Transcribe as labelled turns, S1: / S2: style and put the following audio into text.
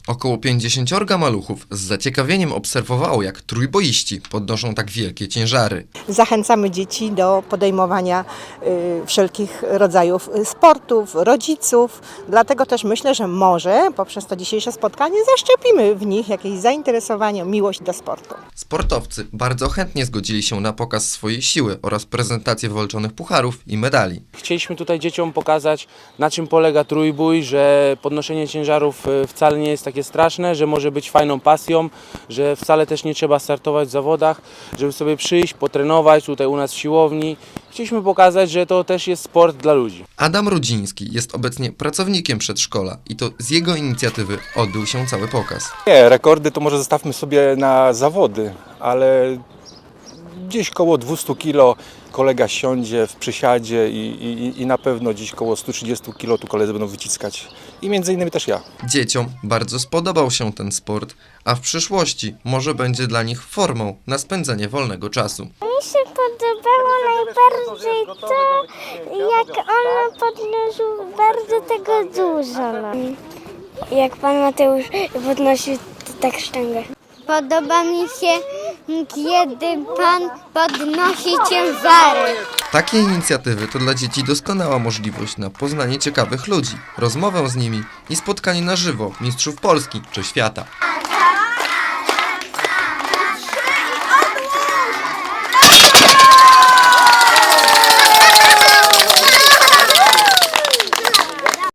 S1: Około 50 maluchów z zaciekawieniem obserwowało, jak trójboiści podnoszą tak wielkie ciężary.
S2: Zachęcamy dzieci do podejmowania wszelkich rodzajów sportów, rodziców. Dlatego też myślę, że może poprzez to dzisiejsze spotkanie zaszczepimy w nich jakieś zainteresowanie, miłość do sportu.
S1: Sportowcy bardzo chętnie zgodzili się na pokaz swojej siły oraz prezentację wywalczonych pucharów i medali.
S3: Chcieliśmy tutaj dzieciom pokazać, na czym polega trójbój, że podnoszenie ciężarów wcale nie jest takie straszne, że może być fajną pasją, że wcale też nie trzeba startować w zawodach, żeby sobie przyjść, potrenować tutaj u nas w siłowni. Chcieliśmy pokazać, że to też jest sport dla ludzi.
S1: Adam Rudziński jest obecnie pracownikiem przedszkola i to z jego inicjatywy odbył się cały pokaz.
S4: Nie, rekordy to może zostawmy sobie na zawody, ale gdzieś koło 200 kg kolega siądzie w przysiadzie i na pewno gdzieś koło 130 kg tu koledzy będą wyciskać. I między innymi też ja.
S1: Dzieciom bardzo spodobał się ten sport, a w przyszłości może będzie dla nich formą na spędzenie wolnego czasu.
S5: Mi się podobało najbardziej to, jak on podnosił bardzo tego dużo. Jak pan Mateusz podnosił tak sztangę. Podoba mi się, kiedy pan podnosi ciężary.
S1: Takie inicjatywy to dla dzieci doskonała możliwość na poznanie ciekawych ludzi, rozmowę z nimi i spotkanie na żywo mistrzów Polski czy świata.